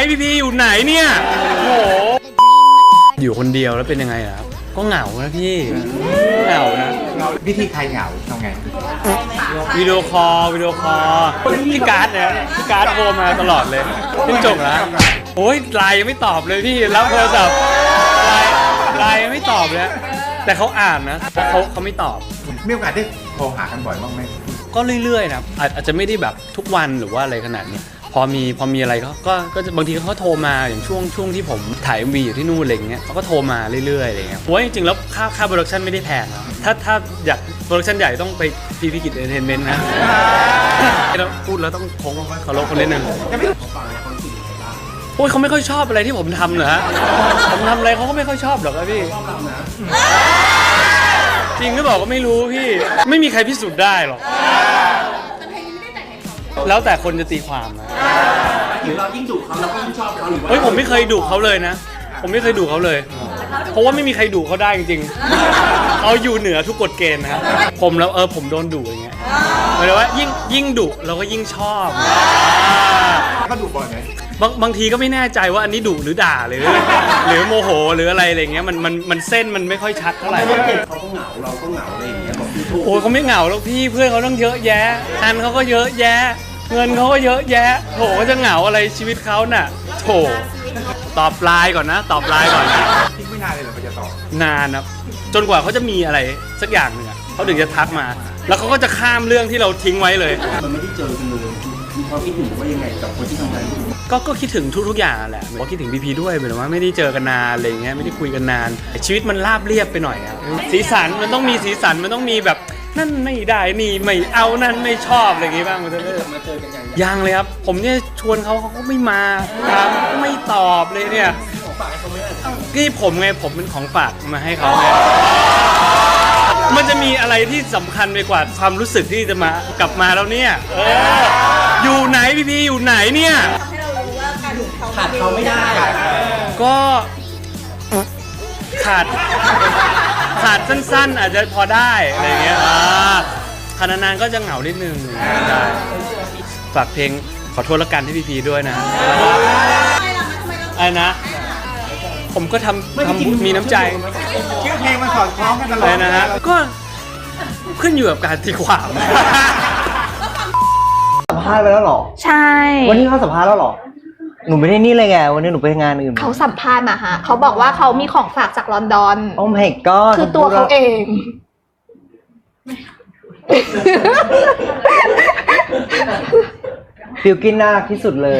พี่อยู่ไหนเนี่ยโอ้โหอยู่คนเดียวแล้วเป็นยังไงครับก็เหงานะพี่เหงานะวิธีใครเหงาทำไงวิดีโอคอลพี่การ์ดเนี่ยพี่การ์ดโทรมาตลอดเลยพี่จบแล้วโอ้ยไลน์ยังไม่ตอบเลยพี่รับโทรศัพท์ไลน์ยังไม่ตอบเลยแต่เขาอ่านนะเขาไม่ตอบมีโอกาสได้โทรหากันบ่อยบ้างไหมก็เรื่อยๆนะอาจจะไม่ได้แบบทุกวันหรือว่าอะไรขนาดนี้พอมีอะไรก็จะบางทีเขาโทรมาอย่างช่วงที่ผมถ่าย MV อยู่ที่นู่นอะไรเงี้ยเขาก็โทรมาเรื่อยๆอะไรเงี้ยโอ้ยจริงๆแล้วค่าโปรดักชั่นไม่ได้แพงนะถ้าอยากโปรดักชั่นใหญ่ต้องไปพีกิจเอนเตอร์เทนเมนต์นะแล้วพูดแล้วต้องคงเคารพคนเล่นหนึ่งโอ้ยเขาไม่ค่อยชอบอะไรที่ผมทำเหรอฮะผมทำอะไรเขาก็ไม่ค่อยชอบหรอกครับพี่จริงหรือเปล่าก็ไม่รู้พี่ไม่มีใครพิสูจน์ได้หรอกแล้วแต่คนจะตีความนะเรายิ่งดุเขาเราก็ยิ่งชอบเขาหรือว่าเฮ้ยผมไม่เคยดุเขาเลยนะผมไม่เคยดุเขาเลยเพราะว่าไม่มีใครดุเขาได้จริงๆเขาอยู่เหนือทุกกฎเกณฑ์นะครับผมแล้วผมโดนดุอย่างเงี้ยหมายถึงว่ายิ่งดุเราก็ยิ่งชอบเขาดุบ่อยไหมบางทีก็ไม่แน่ใจว่าอันนี้ดุหรือด่าหรือโมโหหรืออะไรเงี้ยมันเส้นมันไม่ค่อยชัดเท่าไหร่เขาก็เหงาเราก็เหงาอะไรอย่างเงี้ยบอกพี่ถูกโอ้เขาไม่เหงาหรอกพี่เพื่อนเขาต้องเยอะแยะอันเขาก็เยอะแยะเงินเขาก็เยอะแยะโถก็จะเหงาอะไรชีวิตเขาน่ะโถตอบไลน์ก่อนนะทิ้งไม่นานเลยเหรอเขาจะตอบนานนะจนกว่าเขาจะมีอะไรสักอย่างหนึ่งเขาถึงจะทักมาแล้วเขาก็จะข้ามเรื่องที่เราทิ้งไว้เลยมันไม่ได้เจอกันเลยมีความคิดถึงว่ายังไงกับคนที่ทำงานก็คิดถึงทุกอย่างแหละก็คิดถึงพีด้วยเหมือนว่าไม่ได้เจอกันนานอะไรเงี้ยไม่ได้คุยกันนานชีวิตมันราบเรียบไปหน่อยอะสีสันมันต้องมีสีสันมันต้องมีแบบนั่นไม่ได้นี่ไม่เอานั่นไม่ชอบอะไรอย่างงี้บ้างมันจะมาเจอกันยังเลยครับผมเนี่ยชวนเขาก็ไม่มาไม่ตอบเลยเนี่ยของฝากให้เขาไม่ได้นี่ผมไงผมเป็นของฝากมาให้เขาไงมันจะมีอะไรที่สำคัญไปกว่าความรู้สึกที่จะมากลับมาแล้วเนี่ยอยู่ไหนพี่อยู่ไหนเนี่ยให้เรารู้ว่าการดุเขาขาดเขาไม่ได้ก็ขาดสั้นๆอาจจะพอได้อะไรเงี้ยขนาดนานก็จะเหงานิดนึงได้ฝากเพลงขอโทษละกันที่พีด้วยนะไอ้นะผมก็ทำมีน้ำใจชื่อเพลงมันสอดคล้องกันตลอดนะฮะก็ขึ้นอยู่กับการตีความสัมภาษณ์ไปแล้วหรอใช่วันนี้เขาสัมภาษณ์แล้วหรอหนูไม่ได้นี่เลยไงวันนี้หนูไปงานอื่นเขาสัมภาษณ์มาฮะเขาบอกว่าเขามีของฝากจากลอนดอนโอ้ my god คือตัวเขาเองบิลกินน่ารักที่สุดเลย